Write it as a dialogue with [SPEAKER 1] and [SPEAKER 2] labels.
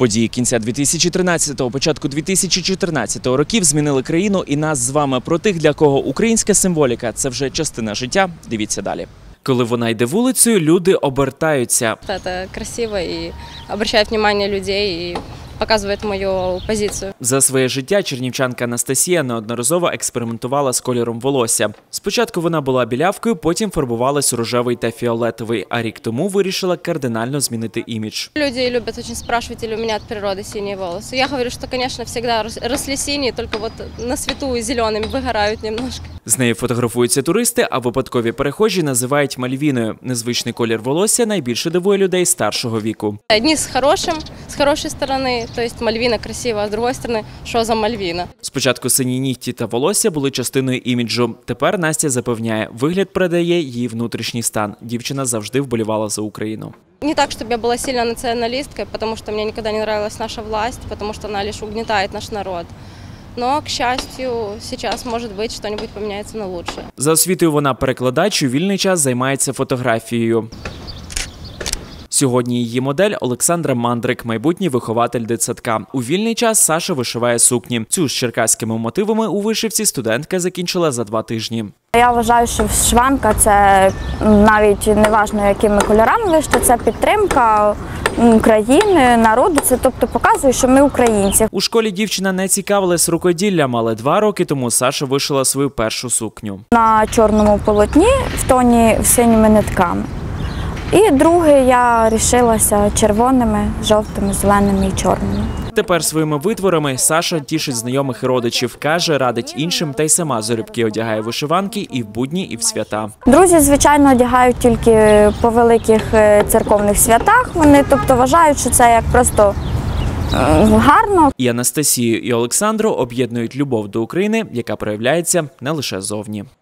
[SPEAKER 1] Події кінця 2013-го, початку 2014-го років змінили країну і нас з вами. Про тих, для кого українська символіка – це вже частина життя. Дивіться далі. Коли вона йде вулицею, люди обертаються.
[SPEAKER 2] Це красиво і звертає увагу людей і показує мою позицію.
[SPEAKER 1] За своє життя чернівчанка Анастасія неодноразово експериментувала з кольором волосся. Спочатку вона була білявкою, потім фарбувалась у рожевий та фіолетовий, а рік тому вирішила кардинально змінити імідж.
[SPEAKER 2] Люди люблять дуже спрашивать, или у мене від природи сині волоси. Я говорю, що, звісно, завжди росли сині, тільки на світу зеленими вигорають немножко.
[SPEAKER 1] З нею фотографуються туристи, а випадкові перехожі називають Мальвіною. Незвичний колір волосся найбільше дивує людей старшого віку.
[SPEAKER 2] Одні з хорошої сторони, тобто Мальвіна красива, а з іншої сторони, що за Мальвіна?
[SPEAKER 1] Спочатку сині нігті та волосся були частиною іміджу. Тепер Настя запевняє, вигляд передає її внутрішній стан. Дівчина завжди вболівала за Україну.
[SPEAKER 2] Не так, чтобы я была сильно националисткой, потому что мне никогда не нравилась наша власть, потому что она лишь угнетает наш народ. Но, к счастью, сейчас, может быть, что-нибудь поменяется на лучше.
[SPEAKER 1] За освітою вона перекладач, у вільний час займається фотографією. Сьогодні її модель Олександра Мандрик, майбутній вихователь дитсадка. У вільний час Саша вишиває сукні. Цю з черкаськими мотивами у вишивці студентка закінчила за 2 тижні.
[SPEAKER 3] Я вважаю, що вишиванка – це навіть не важливо, якими кольорами вишити, це підтримка країни, народу, це тобто показує, що ми українці.
[SPEAKER 1] У школі дівчина не цікавилась рукоділлям, але 2 роки тому Саша вишила свою першу сукню.
[SPEAKER 3] На чорному полотні в тоні синіми нитками. І друге я рішилася червоними, жовтими, зеленими і чорними.
[SPEAKER 1] Тепер своїми витворами Саша тішить знайомих і родичів. Каже, радить іншим та й сама залюбки одягає вишиванки і в будні, і в свята.
[SPEAKER 3] Друзі, звичайно, одягають тільки по великих церковних святах. Вони тобто вважають, що це як просто гарно.
[SPEAKER 1] І Анастасію, і Олександру об'єднують любов до України, яка проявляється не лише зовні.